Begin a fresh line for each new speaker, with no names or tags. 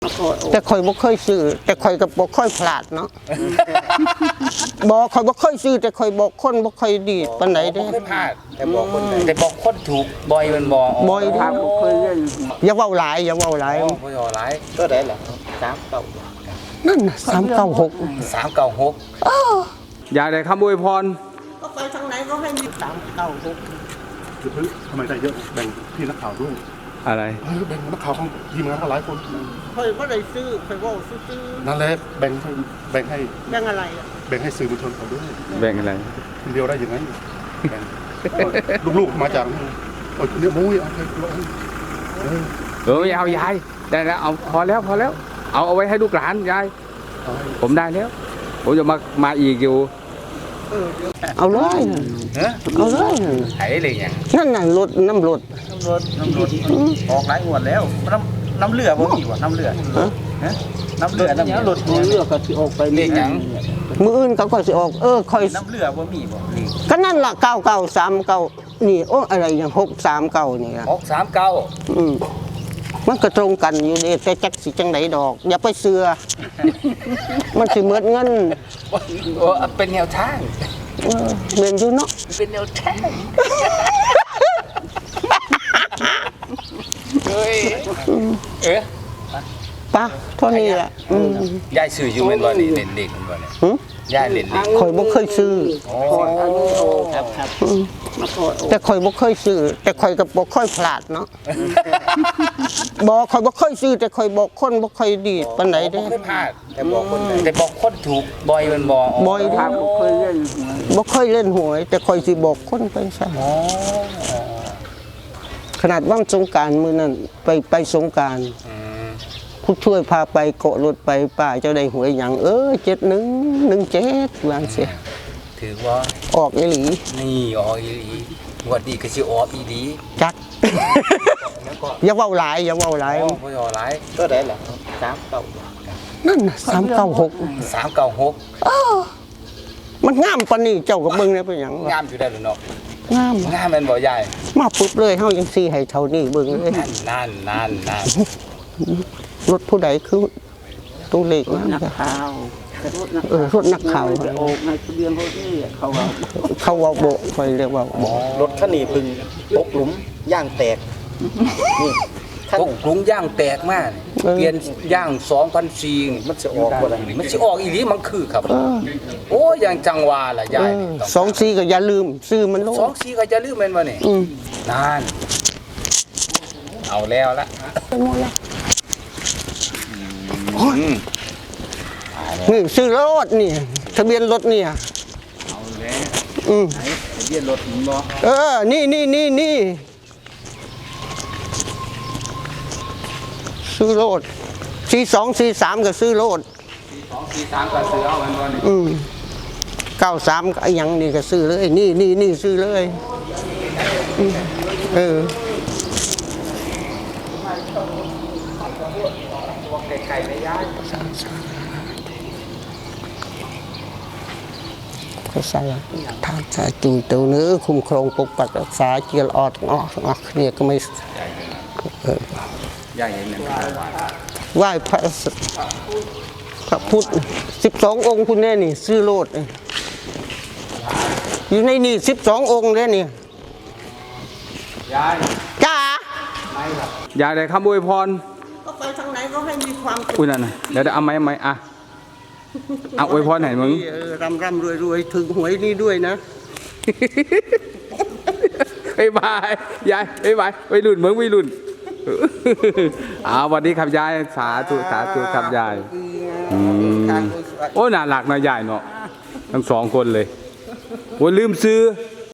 แต่คอยบ่เคยซื้อแต่คอยก็บ่ค่อยพลาดเนาะบอกคอยบ่เคยซื้อแต่คอยบอกคนบ่ค่อยดีปานใดเด้
ไม่พลาดแต่บอกคนถูกบ่อยมัน
บ่อยทางบ่เคยเล่นอย่าเว้าหลายอย่าเว้าหลาย
บ่อย่าหลายก็ได้ล่ะ396
นั่นน่ะ396
396
อยากได้คำอวยพร
ก็ไปทางไหนก็ให้มี396
ทำไมได้เยอะแบ่งพี่นักข่าวด้วย
อะไร
แบ่งนักข่าวของทีมงานก็หลายคน
คอยบ่ได้ซื้อคอยเว้าซื้อ
นั่นแหละแบ่งให้
แบ่งอะไรอ่ะ
แบ่งให้สื่อมวลชนเขาด้วย
แบ่งอะไร
คนเดียวได้ยังไงแบ่งลูกๆมาจากเนี่ยมุ้ยเอาไปลง
ไม่เอายายได้แล้วเอาพอแล้วเอาไว้ให้ลูกหลานยายผมได้แล้วผมจะมาอีกอยู่
เอาเลยเอาเลย
ไถเลยอย่าง
นั่นน่ะรถน้ำรถ
ออกหลายงวดแล้วน้ำเลือบ่มีบ่น้ำเลือน้ำเลือรถ
เลือก็สิออกไป
เลขหยัง
มื้ออื่นเขาก็สิออกค่อย
น้ำเลือบ่มีบ่
ก็นั่นล่ะ9939นี่โอ้อะไรอย่าง639นี่ล่ะ
639
มันก็ตรงกันอยู่เด้แต่จักสิจังไดดอกอย่าไปเชื่อมันสิหมดเงิน
เป็นแนวทาง
เรียนอยู่เนาะ
เป็นแนวทาง
ป่ะเท่านี้แหละ
ยายซื้ออยู่แม่นบ่นี่เล่นเด็กมันบ่เนี่ยยายเล่นเด็ก
ข่อยบ่เคยซื้อ
ครับ
แต่ข่อยบ่เคยซื้อแต่ข่อยก็บ่ค่อยพลาดเนาะบอกข่อยบ่เคยซื้อแต่ข่อยบอกคนบ่ค่อยดีปานใดเด้
ไม่พลาดแต่บอกคนถูกบ่อยมัน
บ่อยทางบ่เคยเล่นหวยแต่ข่อยสิบอกคนไปซะขนาดวันสงกรานต์มื้อนั้นไปสงกรานต์ผู้ช่วยพาไปเกาะรถไปป้าเจ้าได้หวยหยัง7117ว่าซั่น
ถือว่า
ออกอีหลี
นี่ออกอีหลีงวดนี้ก็สิออกอีหลี
จักอย่าเว้าหลาย
บ่อย่าหลายก็ได้ล่ะ
396นั่นน่ะ396มันงามปานนี้เจ้าก็เบิ่งได้เป็นหยัง
งามอยู่ได้เนาะ
งาม
แม่นบ่ยาย
มาปุ๊บเลยเฮาจังซี่ให้เท่านี้เบิ่งเลย
นั่น
รถผู้ใดคือตัวเลขนักข่าวรถนักข่าว
ออกในทะเบียนรถนี่
เขาว่าโบคอยเรียกว่าร
ถคันนี้พึ่งตกหลุมย่างแตกนี่ตกหลุมย่างแตกมากเปลี่ยนย่าง2004นี่มันสิออกบ่ได้มันสิออกอีหลีมันคือครับโอ้อย่างจังหวะล่ะยาย
24ก็อย่าลืมซื้อมันโล
24ก็อย่าลืมแม่นบ่นี่นั่นเอาแล้วละ
นี่ซื้อรถนี่ทะเบียนรถเนี่ย
เอาแล้วทะเบียนรถบ่
นี่ซื้อรถ4243ก็ซื้อรถ
4243ก็ซื้อเอาแม่นบ่นี่
93ก็ยังนี่ก็ซื้อเลยนี่ซื้อเลย
ไข่ไม่ย้าย
ก็ใส่ทางสายจุยตัวเนื้อคุ้มครองปกปักรักษาเจียรอดออกเนี่ยก็ไม่
ยายเห็นไหม
ไหว้พระพุทธ12องค์คุณแน่นี่ซื้อโลดอยู่ในนี่12องค์เลยนี่
ยาย
จ้า
อยากได้คำอวยพร
ก็ไปทางไหนก็ให้มีความ
อุ้ยนั่นนะเดี๋ยวเอาไหมอ่ะเอาอวยพรไหนมึง
ร่ำรวยถึงหวยนี่ด้วยนะ
บายยายบายไปรุ่นมึงไปรุ่นวันนี้ครับยายสาธุครับยายโอ้น่ารักนะยายเนาะทั้ง2คนเลยโอ้ลืมซื้อ